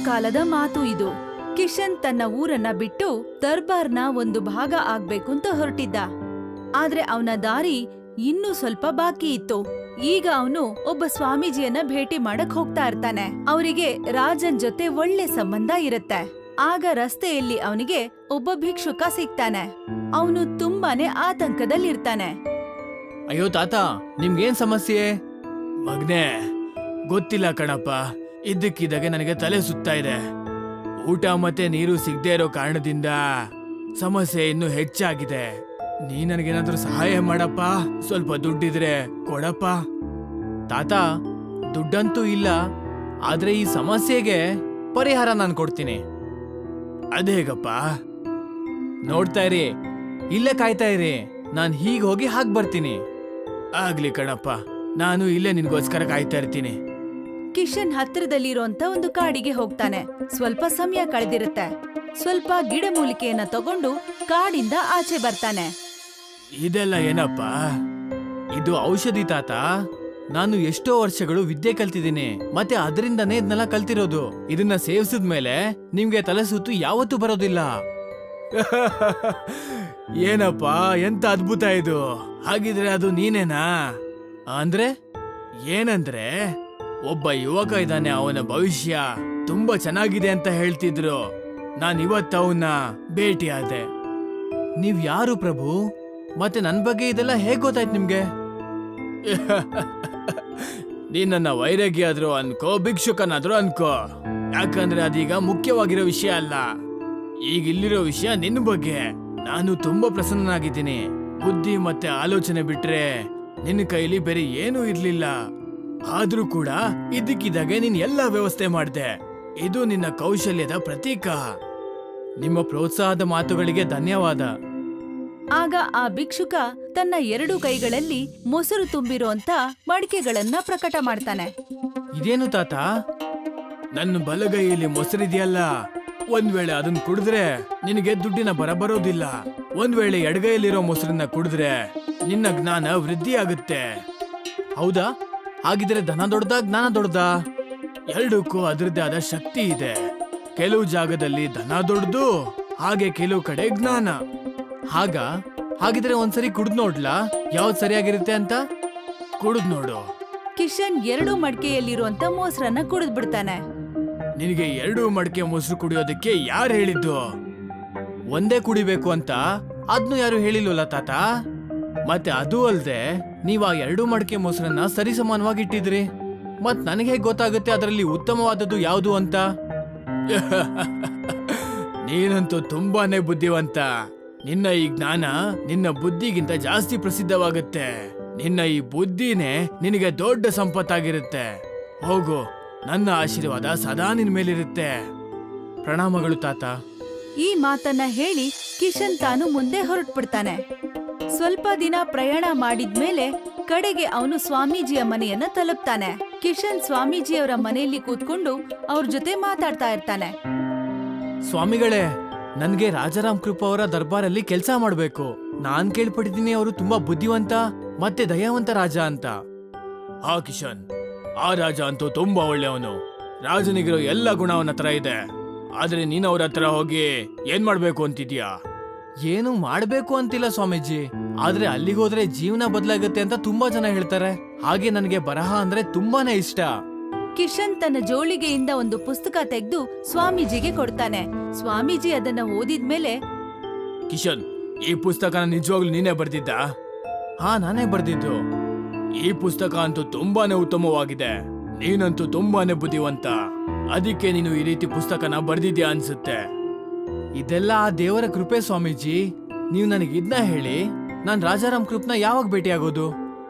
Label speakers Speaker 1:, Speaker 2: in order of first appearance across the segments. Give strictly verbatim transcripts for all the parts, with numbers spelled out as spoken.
Speaker 1: ಕಾಲದ ಮಾತು ಇದು. ಕಿಶನ್ ತನ್ನ ಊರನ್ನ ಬಿಟ್ಟು ದರ್ಬಾರ್ನ ಒಂದು ಭಾಗ ಆಗ್ಬೇಕು ಅಂತ ಹೊರಟಿದ್ದ. ಆದ್ರೆ ಅವನ ದಾರಿ ಇನ್ನೂ ಸ್ವಲ್ಪ ಬಾಕಿ ಇತ್ತು. ಈಗ ಅವನು ಒಬ್ಬ ಸ್ವಾಮೀಜಿಯನ್ನ ಭೇಟಿ ಮಾಡಕ್ ಹೋಗ್ತಾ ಇರ್ತಾನೆ. ಅವರಿಗೆ ರಾಜನ್ ಜೊತೆ ಒಳ್ಳೆ ಸಂಬಂಧ ಇರುತ್ತೆ. ಆಗ ರಸ್ತೆಯಲ್ಲಿ ಅವನಿಗೆ ಒಬ್ಬ ಭಿಕ್ಷುಕ ಸಿಗ್ತಾನೆ. ಅವನು ತುಂಬಾನೇ ಆತಂಕದಲ್ಲಿರ್ತಾನೆ.
Speaker 2: ಅಯ್ಯೋ ತಾತ, ನಿಮ್ಗೇನ್ ಸಮಸ್ಯೆ? ಮಗ್ನೆ, ಗೊತ್ತಿಲ್ಲ ಕಣಪ್ಪ. ಇದ್ದಕ್ಕಿದ್ದಾಗೆ ನನಗೆ ತಲೆ ಸುತ್ತಾ ಇದೆ. ಊಟ ಮತ್ತೆ ನೀರು ಸಿಗದೆ ಇರೋ ಕಾರಣದಿಂದ ಸಮಸ್ಯೆ ಇನ್ನೂ ಹೆಚ್ಚಾಗಿದೆ. ನೀ ನನಗೇನಾದ್ರೂ ಸಹಾಯ ಮಾಡಪ್ಪ. ಸ್ವಲ್ಪ ದುಡ್ಡಿದ್ರೆ ಕೊಡಪ್ಪ. ತಾತ, ದುಡ್ಡಂತೂ ಇಲ್ಲ, ಆದ್ರೆ ಈ ಸಮಸ್ಯೆಗೆ ಪರಿಹಾರ ನಾನು ಕೊಡ್ತೀನಿ. ಅದೇಗಪ್ಪ? ನೋಡ್ತಾ ಇರಿ, ಇಲ್ಲೇ ಕಾಯ್ತಾ ಇರಿ. ನಾನ್ ಹೀಗ್ ಹೋಗಿ ಹಾಗ್ ಬರ್ತೀನಿ. ಆಗ್ಲಿ ಕಣಪ್ಪ, ನಾನು ಇಲ್ಲೇ ನಿನ್ಗೋಸ್ಕರ ಕಾಯ್ತಾ ಇರ್ತೀನಿ.
Speaker 1: ಕಿಶನ್ ಹತ್ತಿರದಲ್ಲಿರೋಂತ ಒಂದು ಕಾಡಿಗೆ ಹೋಗ್ತಾನೆ. ಸ್ವಲ್ಪ ಸಮಯ ಕಳೆದಿರುತ್ತೆ. ಸ್ವಲ್ಪ ಗಿಡಮೂಲಿಕೆಯನ್ನ ತಗೊಂಡು ಕಾಡಿಂದ ಆಚೆ ಬರ್ತಾನೆ.
Speaker 2: ಇದೆಲ್ಲ ಏನಪ್ಪ? ಇದು ಔಷಧಿ ತಾತ. ನಾನು ಎಷ್ಟೋ ವರ್ಷಗಳು ವಿದ್ಯೆ ಕಲ್ತಿದ್ದೀನಿ, ಮತ್ತೆ ಅದರಿಂದನೇ ಇದನ್ನೆಲ್ಲ ಕಲ್ತಿರೋದು. ಇದನ್ನ ಸೇವಿಸಿದ್ಮೇಲೆ ನಿಮ್ಗೆ ತಲೆ ಸುತ್ತು ಯಾವತ್ತೂ ಬರೋದಿಲ್ಲ. ಏನಪ್ಪ, ಎಂತ ಅದ್ಭುತ ಇದು! ಹಾಗಿದ್ರೆ ಅದು ನೀನೇನಾ? ಅಂದ್ರೆ ಏನಂದ್ರೆ ಒಬ್ಬ ಯುವಕ ಇದ್ದಾನೆ, ಅವನ ಭವಿಷ್ಯ ತುಂಬಾ ಚೆನ್ನಾಗಿದೆ ಅಂತ ಹೇಳ್ತಿದ್ರು. ನಾನ್ ಇವತ್ತು ಅವನ್ನ ಭೇಟಿಯಾದೆ. ನೀವ್ ಯಾರು ಪ್ರಭು? ಮತ್ತೆ ನನ್ ಬಗ್ಗೆ ಇದೆಲ್ಲ ಹೇಗ್ ಗೊತ್ತಾಯ್ತು ನಿಮ್ಗೆ? ನೀನ್ ನನ್ನ ವೈರಾಗ್ಯ ಆದ್ರೂ ಅನ್ಕೋ, ಭಿಕ್ಷುಕನಾದ್ರೂ ಅನ್ಕೋ, ಯಾಕಂದ್ರೆ ಅದೀಗ ಮುಖ್ಯವಾಗಿರೋ ವಿಷಯ ಅಲ್ಲ. ಈಗ ಇಲ್ಲಿರೋ ವಿಷಯ ನಿನ್ನ ಬಗ್ಗೆ. ನಾನು ತುಂಬಾ ಪ್ರಸನ್ನನಾಗಿದ್ದೀನಿ. ಬುದ್ಧಿ ಮತ್ತೆ ಆಲೋಚನೆ ಬಿಟ್ರೆ ನಿನ್ನ ಕೈಲಿ ಬೇರೆ ಏನೂ ಇರ್ಲಿಲ್ಲ. ಆದ್ರೂ ಕೂಡ ಇದಕ್ಕಿದ್ದಾಗೆ ನೀನ್ ಎಲ್ಲಾ ವ್ಯವಸ್ಥೆ ಮಾಡ್ದೆ. ಇದು ನಿನ್ನ ಕೌಶಲ್ಯದ ಪ್ರತೀಕ. ನಿಮ್ಮ ಪ್ರೋತ್ಸಾಹದ ಮಾತುಗಳಿಗೆ ಧನ್ಯವಾದ.
Speaker 1: ಆಗ ಆ ಭಿಕ್ಷುಕ ತನ್ನ ಎರಡು ಕೈಗಳಲ್ಲಿ ಮೊಸರು ತುಂಬಿರುವಂತ ಮಡಿಕೆಗಳನ್ನ ಪ್ರಕಟ ಮಾಡ್ತಾನೆ.
Speaker 2: ಇದೇನು ತಾತ? ನನ್ನ ಬಲಗೈಯಲ್ಲಿ ಮೊಸರಿದೆಯಲ್ಲ, ಒಂದ್ ವೇಳೆ ಅದನ್ನ ಕುಡಿದ್ರೆ ನಿನಗೆ ದುಡ್ಡಿನ ಬರ ಬರೋದಿಲ್ಲ. ಒಂದ್ ವೇಳೆ ಎಡಗೈಯಲ್ಲಿರೋ ಮೊಸರನ್ನ ಕುಡಿದ್ರೆ ನಿನ್ನ ಜ್ಞಾನ ವೃದ್ಧಿ ಆಗುತ್ತೆ. ಹೌದಾ? ಹಾಗಿದ್ರೆ ಧನ ದೊಡ್ಡದಾ, ಜ್ಞಾನ ದೊಡ್ಡದಾ? ಎರಡಕ್ಕೂ ಅದರದ್ದೇ ಆದ ಶಕ್ತಿ ಇದೆ. ಕೆಲವು ಜಾಗದಲ್ಲಿ ಧನ ದೊಡ್ಡದು, ಹಾಗೆ ಕೆಲವು ಕಡೆ ಜ್ಞಾನ. ಹಾಗ ಹಾಗಿದ್ರೆ ಒಂದ್ಸರಿ ಕುಡ್ದ್ ನೋಡ್ಲಾ ಯಾವ್ದು ಸರಿಯಾಗಿರುತ್ತೆ ಅಂತ? ಕುಡ್ದ್ ನೋಡು.
Speaker 1: ಕಿಶನ್ ಎರಡು ಮಡಿಕೆಯಲ್ಲಿರುವಂತ ಮೊಸರನ್ನ ಕುಡಿದ್ ಬಿಡ್ತಾನೆ.
Speaker 2: ನಿನಗೆ ಎರಡು ಮಡಕೆ ಮೊಸರು ಕುಡಿಯೋದಕ್ಕೆ ಯಾರು ಹೇಳಿದ್ದು? ಒಂದೇ ಕುಡಿಬೇಕು ಅಂತ ಅದ್ನು ಯಾರು ಹೇಳಿಲ್ವಲ್ಲ ತಾತ. ಮತ್ತೆ ಅದು ಅಲ್ದೆ ನೀವ್ ಆ ಎರಡು ಮಡಕೆ ಮೊಸರನ್ನ ಸರಿಸಮಾನವಾಗಿ ಇಟ್ಟಿದ್ರಿ. ಮತ್ ನನಗೆ ಹೇಗೆ ಗೊತ್ತಾಗುತ್ತೆ ಅದರಲ್ಲಿ ಉತ್ತಮವಾದದ್ದು ಯಾವುದು ಅಂತ? ನೀನಂತೂ ತುಂಬಾನೇ ಬುದ್ಧಿವಂತ. ನಿನ್ನ ಈ ಜ್ಞಾನ ನಿನ್ನ ಬುದ್ಧಿಗಿಂತ ಜಾಸ್ತಿ ಪ್ರಸಿದ್ಧವಾಗುತ್ತೆ. ನಿನ್ನ ಈ ಬುದ್ಧಿನೇ ನಿನಗೆ ದೊಡ್ಡ ಸಂಪತ್ತಾಗಿರುತ್ತೆ. ಹೋಗು, ನನ್ನ ಆಶೀರ್ವಾದ ಸದಾ ನಿನ್ ಮೇಲಿರುತ್ತೆ. ಪ್ರಣಾಮಗಳು ತಾತ.
Speaker 1: ಈ ಮಾತನ್ನ ಹೇಳಿ ಕಿಶನ್ ತಾನು ಮುಂದೆ ಹೊರಟ್ಬಿಡ್ತಾನೆ. ಸ್ವಲ್ಪ ದಿನ ಪ್ರಯಾಣ ಮಾಡಿದ್ಮೇಲೆ ಕಡೆಗೆ ಅವನು ಸ್ವಾಮೀಜಿಯ ಮನೆಯನ್ನ ತಲುಪ್ತಾನೆ. ಕಿಶನ್ ಸ್ವಾಮೀಜಿಯವರ ಮನೆಯಲ್ಲಿ ಕೂತ್ಕೊಂಡು ಅವ್ರ ಜೊತೆ ಮಾತಾಡ್ತಾ ಇರ್ತಾನೆ.
Speaker 2: ಸ್ವಾಮಿಗಳೇ, ನನ್ಗೆ ರಾಜಾರಾಮ್ ಕೃಪಾ ಅವರ ದರ್ಬಾರಲ್ಲಿ ಕೆಲಸ ಮಾಡ್ಬೇಕು. ನಾನ್ ಕೇಳ್ಪಟ್ಟಿದ್ದೀನಿ ಅವರು ತುಂಬಾ ಬುದ್ಧಿವಂತ ಮತ್ತೆ ದಯಾವಂತ ರಾಜ ಅಂತ. ಹಾ ಕಿಶನ್, ಆ ರಾಜ ಅಂತೂ ತುಂಬಾ ಒಳ್ಳೆಯವನು. ರಾಜನಿಗಿರೋ ಎಲ್ಲ ಗುಣ ಅವನ ಹತ್ರ ಇದೆ. ಆದ್ರೆ ನೀನ್ ಅವ್ರ ಹತ್ರ ಹೋಗಿ ಏನ್ ಮಾಡ್ಬೇಕು ಅಂತಿದ್ಯಾ? ಏನು ಮಾಡ್ಬೇಕು ಅಂತಿಲ್ಲ ಸ್ವಾಮೀಜಿ, ಆದ್ರೆ ಅಲ್ಲಿಗೆ ಹೋದ್ರೆ ಜೀವನ ಬದಲಾಗುತ್ತೆ ಅಂತ ತುಂಬಾ ಜನ ಹೇಳ್ತಾರೆ. ಹಾಗೆ ನನಗೆ ಬರಹ ಅಂದ್ರೆ ತುಂಬಾನೇ ಇಷ್ಟ.
Speaker 1: ಕಿಶನ್ ತನ್ನ ಜೋಳಿಗೆಯಿಂದ ಒಂದು ಪುಸ್ತಕ ತೆಗೆದು ಸ್ವಾಮೀಜಿಗೆ ಕೊಡ್ತಾನೆ. ಸ್ವಾಮೀಜಿ ಅದನ್ನ ಓದಿದ್ಮೇಲೆ,
Speaker 2: ಕಿಶನ್, ಈ ಪುಸ್ತಕನ ನಿಜವಾಗ್ಲೂ ನೀನೇ ಬರ್ದಿದ್ದ? ಹಾ, ನಾನೇ ಬರ್ದಿದ್ದು. ಈ ಪುಸ್ತಕ ಅಂತೂ ತುಂಬಾನೇ ಉತ್ತಮವಾಗಿದೆ. ನೀನಂತೂ ತುಂಬಾನೇ ಬುದ್ಧಿವಂತ. ಅದಕ್ಕೆ ನೀನು ಈ ರೀತಿ ಪುಸ್ತಕನ ಬರ್ದಿದ್ಯಾ ಅನ್ಸುತ್ತೆ. ಇದೆಲ್ಲ ಆ ದೇವರ ಕೃಪೆ ಸ್ವಾಮೀಜಿ. ನೀವು ನನಗೆ ಇದನ್ನ ಹೇಳಿ, ನಾನ್ ರಾಜಾರಾಮ್ ಕೃಪ್ನ ಯಾವಾಗ ಭೇಟಿಯಾಗೋದು?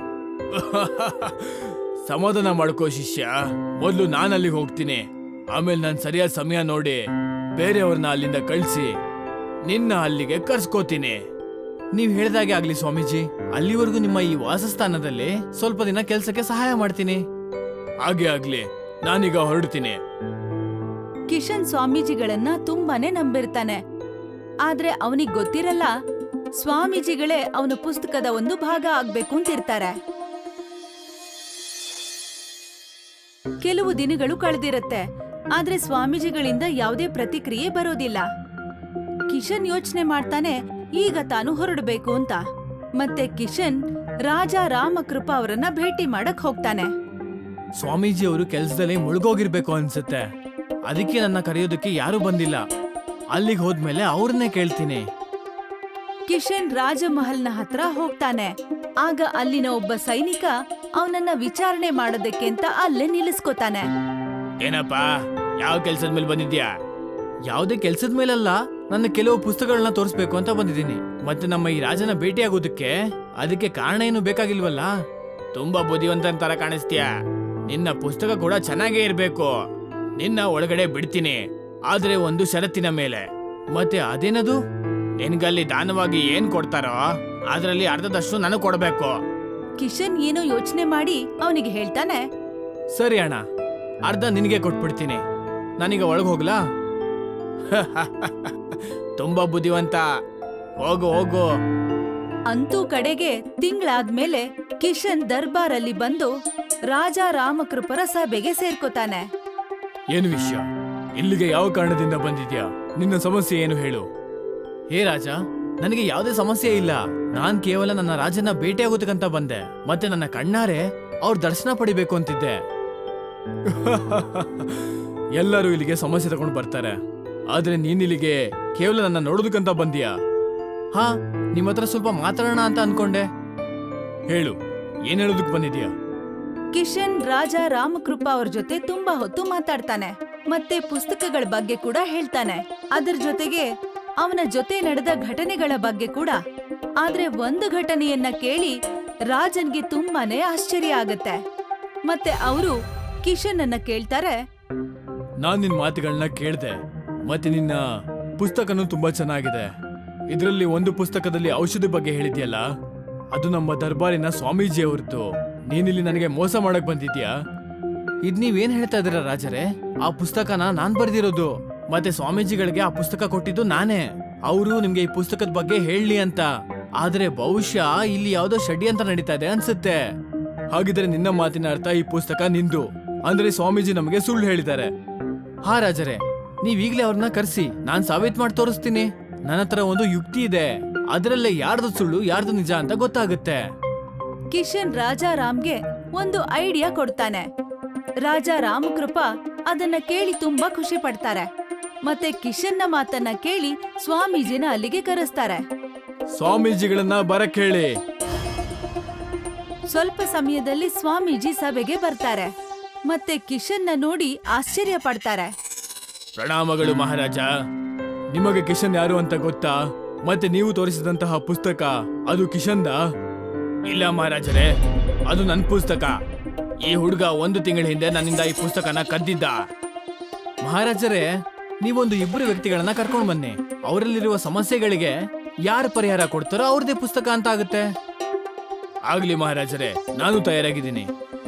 Speaker 2: ಸಮಾಧಾನ ಮಾಡ್ಕೋ ಶಿಷ್ಯ. ಮೊದ್ಲು ನಾನು ಅಲ್ಲಿಗೆ ಹೋಗ್ತೀನಿ. ಆಮೇಲೆ ನಾನು ಸರಿಯಾದ ಸಮಯ ನೋಡಿ ಬೇರೆಯವ್ರನ್ನ ಅಲ್ಲಿಂದ ಕಳಿಸಿ ನಿನ್ನ ಅಲ್ಲಿಗೆ ಕರ್ಸ್ಕೋತೀನಿ. ನೀವ್ ಹೇಳ್ದಾಗೆ ಆಗ್ಲಿ ಸ್ವಾಮೀಜಿ. ಅಲ್ಲಿವರೆಗೂ ನಿಮ್ಮ ಈ ವಾಸಸ್ಥಾನದಲ್ಲಿ ಸ್ವಲ್ಪ ದಿನ ಕೆಲ್ಸಕ್ಕೆ ಸಹಾಯ ಮಾಡ್ತೀನಿ. ಹಾಗೆ ಆಗ್ಲಿ, ನಾನೀಗ ಹೊರಡ್ತೀನಿ.
Speaker 1: ಕಿಶನ್ ಸ್ವಾಮೀಜಿಗಳನ್ನ ತುಂಬಾನೇ ನಂಬಿರ್ತಾನೆ. ಆದ್ರೆ ಅವನಿಗೆ ಗೊತ್ತಿರಲ್ಲ, ಸ್ವಾಮೀಜಿಗಳೇ ಅವನ ಪುಸ್ತಕದ ಒಂದು ಭಾಗ ಆಗ್ಬೇಕು ಅಂತಿರ್ತಾರೆ. ಕೆಲವು ದಿನಗಳು ಕಳೆದಿರತ್ತೆ. ಆದ್ರೆ ಸ್ವಾಮೀಜಿಗಳಿಂದ ಯಾವುದೇ ಪ್ರತಿಕ್ರಿಯೆ ಬರೋದಿಲ್ಲ. ಕಿಶನ್ ಯೋಚನೆ ಮಾಡ್ತಾನೆ ಈಗ ತಾನು ಹೊರಡಬೇಕು ಅಂತ. ಮತ್ತೆ ಕಿಶನ್ ರಾಜ ರಾಮಕೃಪ ಅವರನ್ನ ಭೇಟಿ ಮಾಡಕ್ ಹೋಗ್ತಾನೆ.
Speaker 2: ಸ್ವಾಮೀಜಿ ಅವರು ಕೆಲ್ಸದಲ್ಲಿ ಮುಳುಗೋಗಿರ್ಬೇಕು ಅನ್ಸುತ್ತೆ. ಅದಕ್ಕೆ ನನ್ನ ಕರೆಯೋದಕ್ಕೆ ಯಾರು ಬಂದಿಲ್ಲ. ಅಲ್ಲಿಗೆ ಹೋದ್ಮೇಲೆ ಅವ್ರನ್ನೇ ಕೇಳ್ತೀನಿ.
Speaker 1: ಕಿಶನ್ ರಾಜಮಹಲ್ನ ಹತ್ರ ಹೋಗ್ತಾನೆ. ಆಗ ಅಲ್ಲಿನ ಒಬ್ಬ ಸೈನಿಕ ಅವನನ್ನ ವಿಚಾರಣೆ ಮಾಡೋದಕ್ಕೆ ಅಂತ ಅಲ್ಲೇ ನಿಲ್ಲಿಸ್ಕೋತಾನೆ.
Speaker 2: ಏನಪ್ಪ, ಯಾವ ಕೆಲ್ಸದ ಮೇಲೆ ಬಂದಿದ್ಯಾ? ಯಾವುದೇ ಕೆಲ್ಸದ ಮೇಲಲ್ಲ, ನನ್ನ ಕೆಲವು ಪುಸ್ತಕಗಳನ್ನ ತೋರಿಸ್ಬೇಕು ಅಂತ ಬಂದಿದ್ದೀನಿ. ಮತ್ತೆ ನಮ್ಮ ಈ ರಾಜನ ಭೇಟಿಯಾಗೋದಕ್ಕೆ ಅದಕ್ಕೆ ಕಾರಣ ಏನು ಬೇಕಾಗಿಲ್ವಲ್ಲ? ತುಂಬಾ ಬುದ್ಧಿವಂತನ ತರ ಕಾಣಿಸ್ತೀಯ. ನಿನ್ನ ಪುಸ್ತಕ ಕೂಡ ಚೆನ್ನಾಗೇ ಇರ್ಬೇಕು. ನಿನ್ನ ಒಳಗಡೆ ಬಿಡ್ತೀನಿ, ಆದ್ರೆ ಒಂದು ಷರತ್ತಿನ ಮೇಲೆ. ಮತ್ತೆ ಅದೇನದು? ನಿನ್ಗಲ್ಲಿ ದಾನವಾಗಿ ಏನ್ ಕೊಡ್ತಾರೋ ಅದ್ರಲ್ಲಿ ಅರ್ಧದಷ್ಟು ನನಗ್ ಕೊಡ್ಬೇಕು.
Speaker 1: ಕಿಶನ್ ಏನೋ ಯೋಚನೆ ಮಾಡಿ ಅವನಿಗೆ ಹೇಳ್ತಾನೆ,
Speaker 2: ಸರಿ ಅಣ್ಣ, ಅರ್ಧ ನಿನಗೆ ಕೊಟ್ಬಿಡ್ತೀನಿ. ನಾನೀಗ ಒಳಗೆ ಹೋಗ್ಲಾ? ತುಂಬಾ ಬುದ್ಧಿವಂತ, ಹೋಗು ಹೋಗು.
Speaker 1: ಅಂತೂ ಕಡೆಗೆ ತಿಂಗಳಾದ್ಮೇಲೆ ಕಿಶನ್ ದರ್ಬಾರಲ್ಲಿ ಬಂದು ರಾಜ ರಾಮಕೃಪರ ಸಭೆಗೆ ಸೇರ್ಕೋತಾನೆ.
Speaker 2: ಏನು ವಿಷಯ? ಇಲ್ಲಿಗೆ ಯಾವ ಕಾರಣದಿಂದ ಬಂದಿದ್ಯಾ? ನಿನ್ನ ಸಮಸ್ಯೆ ಏನು ಹೇಳು. ಹೇ ರಾಜ, ನನಗೆ ಯಾವುದೇ ಸಮಸ್ಯೆ ಇಲ್ಲ. ನಾನ್ ಕೇವಲ ನನ್ನ ರಾಜನ ಭೇಟಿಯಾಗೋದಕ್ಕಂತ ಬಂದೆ. ಮತ್ತೆ ನನ್ನ ಕಣ್ಣಾರೆ ಅವ್ರ ದರ್ಶನ ಪಡಿಬೇಕು ಅಂತಿದ್ದೆ. ಎಲ್ಲರೂ ಇಲ್ಲಿಗೆ ಸಮಸ್ಯೆ ತಗೊಂಡು ಬರ್ತಾರೆ, ಆದ್ರೆ ನೀನಿಲ್ಲಿಗೆ ಕೇವಲ ನನ್ನ ನೋಡೋದಕ್ಕಂತ ಬಂದ್ಯಾ? ಹಾ, ನಿಮ್ಮ ಹತ್ರ ಸ್ವಲ್ಪ ಮಾತಾಡೋಣ ಅಂತ ಅನ್ಕೊಂಡೆ. ಹೇಳು, ಏನ್ ಹೇಳೋದಕ್ ಬಂದಿದ್ಯಾ?
Speaker 1: ಕಿಶನ್ ರಾಜ ರಾಮಕೃಪ ಅವ್ರ ಜೊತೆ ತುಂಬಾ ಹೊತ್ತು ಮಾತಾಡ್ತಾನೆ. ಮತ್ತೆ ಪುಸ್ತಕಗಳ ಬಗ್ಗೆ ಕೂಡ ಹೇಳ್ತಾನೆ. ಅದರ ಜೊತೆಗೆ ಅವನ ಜೊತೆ ನಡೆದ ಘಟನೆಗಳ ಬಗ್ಗೆ ಕೂಡ. ಆದ್ರೆ ಒಂದು ಘಟನೆಯನ್ನ ಕೇಳಿ ರಾಜನ್ಗೆ ತುಂಬಾನೇ ಆಶ್ಚರ್ಯ ಆಗತ್ತೆ. ಮತ್ತೆ ಅವರು ಕಿಶನ್ ಅನ್ನ ಕೇಳ್ತಾರೆ,
Speaker 2: ನಾನ್ ನಿನ್ ಮಾತುಗಳನ್ನ ಕೇಳ್ದೆ, ಮತ್ತೆ ನಿನ್ನ ಪುಸ್ತಕನೂ ತುಂಬಾ ಚೆನ್ನಾಗಿದೆ. ಇದರಲ್ಲಿ ಒಂದು ಪುಸ್ತಕದಲ್ಲಿ ಔಷಧಿ ಬಗ್ಗೆ ಹೇಳಿದ್ಯಲ್ಲ, ಅದು ನಮ್ಮ ದರ್ಬಾರಿನ ಸ್ವಾಮೀಜಿ ಅವ್ರದ್ದು. ನೀನಿಲ್ಲಿ ನನಗೆ ಮೋಸ ಮಾಡಕ್ ಬಂದಿದ್ಯಾ? ಇದ್ ನೀವೇನ್ ಹೇಳ್ತಾ ಇದೀರ ರಾಜರೇ? ಆ ಪುಸ್ತಕನ ನಾನ್ ಬರ್ದಿರೋದು, ಮತ್ತೆ ಸ್ವಾಮೀಜಿಗಳಿಗೆ ಆ ಪುಸ್ತಕ ಕೊಟ್ಟಿದ್ದು ನಾನೇ. ಅವರು ನಿಮ್ಗೆ ಈ ಪುಸ್ತಕದ ಬಗ್ಗೆ ಹೇಳಲಿ ಅಂತ. ಆದ್ರೆ ಬಹುಶಃ ಇಲ್ಲಿ ಯಾವ್ದೋ ಷಡ್ಯಂತ್ರ ನಡೀತಾ ಇದೆ ಅನ್ಸುತ್ತೆ. ಹಾಗಿದ್ರೆ ನಿನ್ನ ಮಾತಿನ ಅರ್ಥ ಈ ಪುಸ್ತಕ ನಿಂದು, ಅಂದ್ರೆ ಸ್ವಾಮೀಜಿ ನಮಗೆ ಸುಳ್ಳು ಹೇಳಿದ್ದಾರೆ. ಹಾ ರಾಜರೇ, ನೀವೀಗ್ಲೇ ಅವ್ರನ್ನ ಕರ್ಸಿ, ನಾನ್ ಸಾಬೀತ್ ಮಾಡಿ ತೋರಿಸ್ತೀನಿ. ನನ್ನ ಹತ್ರ ಒಂದು ಯುಕ್ತಿ ಇದೆ, ಅದರಲ್ಲೇ ಯಾರ್ದು ಸುಳ್ಳು ಯಾರ್ದು ನಿಜ ಅಂತ ಗೊತ್ತಾಗುತ್ತೆ.
Speaker 1: ಕಿಶನ್ ರಾಜ ರಾಮ್ಗೆ ಒಂದು ಐಡಿಯಾ ಕೊಡ್ತಾನೆ. ರಾಜ ರಾಮಕೃಪ ಅದನ್ನ ಕೇಳಿ ತುಂಬಾ ಖುಷಿ ಪಡ್ತಾರೆ. ಮತ್ತೆ ಕಿಶನ್ನ ಮಾತನ್ನ ಕೇಳಿ ಸ್ವಾಮೀಜಿನ ಅಲ್ಲಿಗೆ ಕರೆಸ್ತಾರೆ.
Speaker 2: ಸ್ವಾಮೀಜಿಗಳನ್ನ ಬರಕ್ ಹೇಳಿ.
Speaker 1: ಸ್ವಲ್ಪ ಸಮಯದಲ್ಲಿ ಸ್ವಾಮೀಜಿ ಸಭೆಗೆ ಬರ್ತಾರೆ. ಮತ್ತೆ ಕಿಶನ್ನ ನೋಡಿ ಆಶ್ಚರ್ಯ ಪಡ್ತಾರೆ.
Speaker 2: ಪ್ರಣಾಮಗಳು ಮಹಾರಾಜ. ನಿಮಗೆ ಕಿಶನ್ ಯಾರು ಅಂತ ಗೊತ್ತಾ? ಮತ್ತೆ ನೀವು ತೋರಿಸಿದಂತಹ ಪುಸ್ತಕ ಅದು ಕಿಶನ್ದ? ಇಲ್ಲ ಮಹಾರಾಜರೇ, ಅದು ನನ್ನ ಪುಸ್ತಕ. ಈ ಹುಡುಗ ಒಂದು ತಿಂಗಳ ಹಿಂದೆ ನನ್ನಿಂದ ಈ ಪುಸ್ತಕನ ಕದ್ದಿದ್ದ. ಮಹಾರಾಜರೇ, ನೀವೊಂದು ಇಬ್ಬರು ವ್ಯಕ್ತಿಗಳನ್ನ ಕರ್ಕೊಂಡು ಬನ್ನಿ. ಅವರಲ್ಲಿರುವ ಸಮಸ್ಯೆಗಳಿಗೆ ಯಾರು ಪರಿಹಾರ ಕೊಡ್ತಾರೋ ಅವ್ರದೇ ಪುಸ್ತಕ ಅಂತ ಆಗುತ್ತೆ. ಆಗ್ಲಿ ಮಹಾರಾಜರೇ, ನಾನು ತಯಾರಾಗಿದ್ದೀನಿ.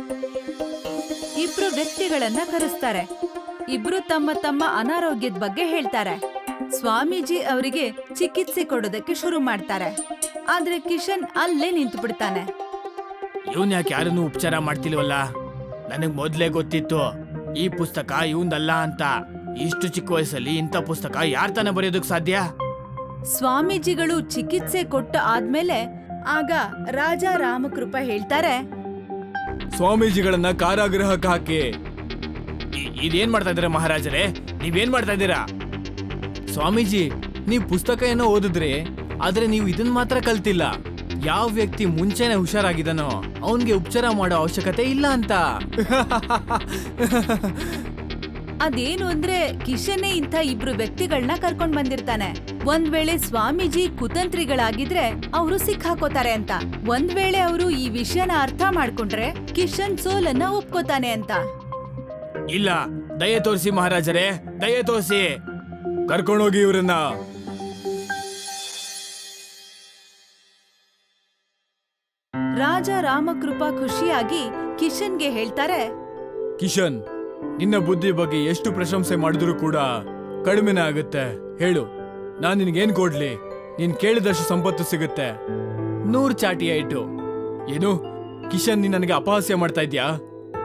Speaker 1: ಇಬ್ರು ವ್ಯಕ್ತಿಗಳನ್ನ ಕರೆಸ್ತಾರೆ. ಇಬ್ರು ತಮ್ಮ ತಮ್ಮ ಅನಾರೋಗ್ಯದ ಬಗ್ಗೆ ಹೇಳ್ತಾರೆ. ಸ್ವಾಮೀಜಿ ಅವರಿಗೆ ಚಿಕಿತ್ಸೆ ಕೊಡೋದಕ್ಕೆ ಶುರು ಮಾಡ್ತಾರೆ. ಆದ್ರೆ ಕಿಶನ್ ಅಲ್ಲೇ ನಿಂತು ಬಿಡ್ತಾನೆ.
Speaker 2: ಇವನ್ ಯಾಕೆ ಯಾರನ್ನು ಉಪಚಾರ ಮಾಡ್ತಿಲ್ವಲ್ಲ? ನನಗ್ ಮೊದ್ಲೇ ಗೊತ್ತಿತ್ತು ಈ ಪುಸ್ತಕ ಇವಂದಲ್ಲ ಅಂತ. ಇಷ್ಟು ಚಿಕ್ಕ ವಯಸ್ಸಲ್ಲಿ ಇಂಥ ಪುಸ್ತಕ ಯಾರ್ ತಾನೇ ಬರೆಯೋದಕ್ ಸಾಧ್ಯ?
Speaker 1: ಸ್ವಾಮೀಜಿಗಳು ಚಿಕಿತ್ಸೆ ಕೊಟ್ಟ ಆದ್ಮೇಲೆ ಆಗ ರಾಜ ರಾಮಕೃಪ ಹೇಳ್ತಾರೆ,
Speaker 2: ಸ್ವಾಮೀಜಿಗಳನ್ನ ಕಾರಾಗೃಹಕ್ಕೆ ಹಾಕಿ. ಇ- ಇದೇನ್ ಮಾಡ್ತಾ ಇದ್ದೀರಾ ಮಹಾರಾಜರೇ? ನೀವೇನ್ ಮಾಡ್ತಾ ಇದ್ದೀರಾ? ಸ್ವಾಮೀಜಿ, ನೀವು ಪುಸ್ತಕ ಏನೋ ಓದಿದ್ರಿ, ಆದ್ರೆ ನೀವು ಇದನ್ ಮಾತ್ರ ಕಲ್ತಿಲ್ಲ. ಯಾವ ವ್ಯಕ್ತಿ ಮುಂಚೆನೆ ಹುಷಾರಾಗಿದ್ದಾನೋ ಅವನ್ಗೆ ಉಪಚಾರ ಮಾಡೋ ಅವಶ್ಯಕತೆ ಇಲ್ಲ ಅಂತ.
Speaker 1: ಅದೇನು ಅಂದ್ರೆ ಕಿಶನ್ನೇ ಇಂಥ ಇಬ್ರು ವ್ಯಕ್ತಿಗಳನ್ನ ಕರ್ಕೊಂಡ್ ಬಂದಿರ್ತಾನೆ. ಒಂದ್ ವೇಳೆ ಸ್ವಾಮೀಜಿ ಕುತಂತ್ರಿಗಳಾಗಿದ್ರೆ ಅವರು ಸಿಕ್ಕಾಕೋತಾರೆ ಅಂತ. ಒಂದ್ ವೇಳೆ ಅವರು ಈ ವಿಷಯನ ಅರ್ಥ ಮಾಡ್ಕೊಂಡ್ರೆ ಕಿಶನ್ ಸೋಲನ್ನ ಒಪ್ಕೋತಾನೆ ಅಂತ.
Speaker 2: ಇಲ್ಲ, ದಯೆ ತೋರಿಸಿ ಮಹಾರಾಜರೇ, ದಯೆ ತೋರಿಸಿ. ಕರ್ಕೊಂಡೋಗಿ ಇವ್ರನ್ನ.
Speaker 1: ರಾಜ ರಾಮಕೃಪಾ ಖುಷಿಯಾಗಿ ಕಿಶನ್ಗೆ ಹೇಳ್ತಾರೆ,
Speaker 2: ಕಿಶನ್, ನಿನ್ನ ಬುದ್ಧಿ ಬಗ್ಗೆ ಎಷ್ಟು ಪ್ರಶಂಸೆ ಮಾಡಿದ್ರು ಕೂಡ ಕಡಿಮೆನೇ ಆಗುತ್ತೆ. ಹೇಳು, ನಾನ್ ನಿನ್ಗೇನ್ ಕೊಡ್ಲಿ? ನೀನ್ ಕೇಳಿದಷ್ಟು ಸಂಪತ್ತು ಸಿಗುತ್ತೆ. ನೂರ್ ಚಾಟಿ ಆಯ್ತು. ಏನು ಕಿಶನ್, ನೀನ್ ನನಗೆ ಅಪಹಾಸ್ಯ ಮಾಡ್ತಾ ಇದ್ಯಾ?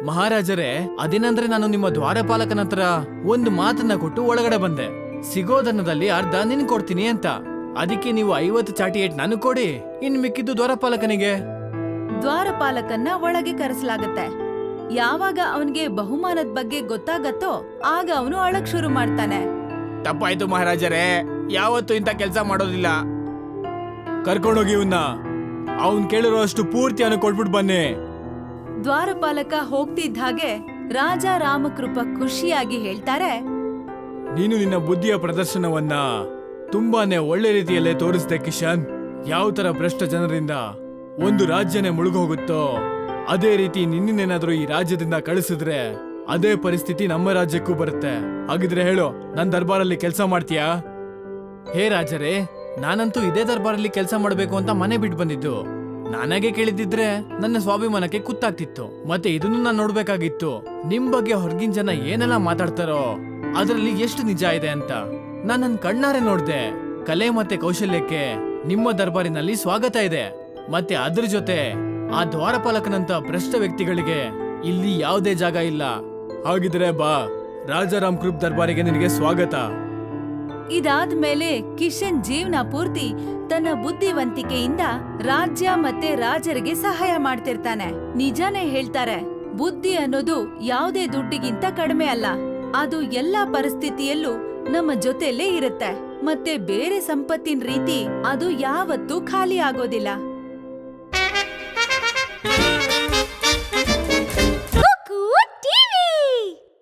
Speaker 2: ಮಹಾರಾಜರೇ, ಅದೇನಂದ್ರೆ ನಾನು ನಿಮ್ಮ ದ್ವಾರಪಾಲಕನ ಹತ್ರ ಒಂದು ಮಾತನ್ನ ಕೊಟ್ಟು ಒಳಗಡೆ ಬಂದೆ. ಸಿಗೋದನ್ನದಲ್ಲಿ ಅರ್ಧ ನಿನ್ ಕೊಡ್ತೀನಿ ಅಂತ. ಅದಕ್ಕೆ ನೀವು ಐವತ್ತು ಚಾಟಿ ಏಟ್ ನನಗ್ ಕೊಡಿ, ಇನ್ ಮಿಕ್ಕಿದ್ದು ದ್ವಾರಪಾಲಕನಿಗೆ.
Speaker 1: ದ್ವಾರಪಾಲಕನ್ನ ಒಳಗೆ ಕರೆಸಲಾಗತ್ತೆ. ಯಾವಾಗ ಅವನಿಗೆ ಬಹುಮಾನದ ಬಗ್ಗೆ ಗೊತ್ತಾಗತ್ತೋ ಆಗ ಅವನು ಅಳಕ್ ಶುರು ಮಾಡ್ತಾನೆ.
Speaker 2: ತಪ್ಪಾಯ್ತು ಮಹಾರಾಜರೇ, ಯಾವತ್ತೂ ಇಂಥ ಕೆಲಸ ಮಾಡೋದಿಲ್ಲ. ಕರ್ಕೊಂಡೋಗಿ ಇವನ್ನ, ಅವನ್ ಕೇಳಿರೋ ಅಷ್ಟು ಪೂರ್ತಿ ಅವನು ಕೊಟ್ಬಿಟ್ಟು ಬನ್ನಿ.
Speaker 1: ದ್ವಾರಪಾಲಕ ಹೋಗ್ತಿದ್ದ ಹಾಗೆ ರಾಜ ರಾಮಕೃಪ ಖುಷಿಯಾಗಿ ಹೇಳ್ತಾರೆ,
Speaker 2: ನೀನು ನಿನ್ನ ಬುದ್ಧಿಯ ಪ್ರದರ್ಶನವನ್ನ ತುಂಬಾನೇ ಒಳ್ಳೆ ರೀತಿಯಲ್ಲೇ ತೋರಿಸ್ದೆ ಕಿಶನ್. ಯಾವ ತರ ಭ್ರಷ್ಟ ಜನರಿಂದ ಒಂದು ರಾಜ್ಯನೇ ಮುಳುಗೋಗುತ್ತೋ ಅದೇ ರೀತಿ ನಿನ್ನೇನಾದ್ರೂ ಈ ರಾಜ್ಯದಿಂದ ಕಳಿಸಿದ್ರೆ ಅದೇ ಪರಿಸ್ಥಿತಿ ನಮ್ಮ ರಾಜ್ಯಕ್ಕೂ ಬರುತ್ತೆ. ಹಾಗಿದ್ರೆ ಹೇಳು, ನನ್ ದರ್ಬಾರಲ್ಲಿ ಕೆಲಸ ಮಾಡ್ತೀಯಾ? ಹೇ ರಾಜರೇ, ನಾನಂತೂ ಇದೇ ದರ್ಬಾರಲ್ಲಿ ಕೆಲಸ ಮಾಡ್ಬೇಕು ಅಂತ ಮನೆ ಬಿಟ್ಟು ಬಂದಿದ್ದು. ನಾನಾಗೆ ಕೇಳಿದಿದ್ರೆ ನನ್ನ ಸ್ವಾಭಿಮಾನಕ್ಕೆ ಕುತ್ತಾಗ್ತಿತ್ತು. ಮತ್ತೆ ಇದನ್ನು ನಾನು ನೋಡ್ಬೇಕಾಗಿತ್ತು, ನಿಮ್ ಬಗ್ಗೆ ಹೊರಗಿನ ಜನ ಏನೆಲ್ಲ ಮಾತಾಡ್ತಾರೋ ಅದರಲ್ಲಿ ಎಷ್ಟು ನಿಜ ಇದೆ ಅಂತ. ನಾನ್ ನನ್ ಕಣ್ಣಾರೆ ನೋಡ್ದೆ. ಕಲೆ ಮತ್ತೆ ಕೌಶಲ್ಯಕ್ಕೆ ನಿಮ್ಮ ದರ್ಬಾರಿನಲ್ಲಿ ಸ್ವಾಗತ ಇದೆ. ಮತ್ತೆ ಅದ್ರ ಜೊತೆ ಆ ದ್ವಾರಪಾಲಕನಂತ ಭ್ರಷ್ಟ ವ್ಯಕ್ತಿಗಳಿಗೆ ಇಲ್ಲಿ ಯಾವುದೇ ಜಾಗ ಇಲ್ಲ. ಹಾಗಿದ್ರೆ ಬಾ, ರಾಜಾರಾಮ್ ಕೃಪ್ ದರ್ಬಾರಿಗೆ ನಿನಗೆ ಸ್ವಾಗತ.
Speaker 1: ಇದಾದ್ಮೇಲೆ ಕಿಶನ್ ಜೀವನ ಪೂರ್ತಿ ತನ್ನ ಬುದ್ಧಿವಂತಿಕೆಯಿಂದ ರಾಜ್ಯ ಮತ್ತೆ ರಾಜರಿಗೆ ಸಹಾಯ ಮಾಡ್ತಿರ್ತಾನೆ. ನಿಜಾನೇ ಹೇಳ್ತಾರೆ, ಬುದ್ಧಿ ಅನ್ನೋದು ಯಾವುದೇ ದುಡ್ಡಿಗಿಂತ ಕಡಿಮೆ ಅಲ್ಲ. ಅದು ಎಲ್ಲಾ ಪರಿಸ್ಥಿತಿಯಲ್ಲೂ ನಮ್ಮ ಜೊತೆಲೇ ಇರುತ್ತೆ. ಮತ್ತೆ ಬೇರೆ ಸಂಪತ್ತಿನ ರೀತಿ ಅದು ಯಾವತ್ತೂ ಖಾಲಿ ಆಗೋದಿಲ್ಲ.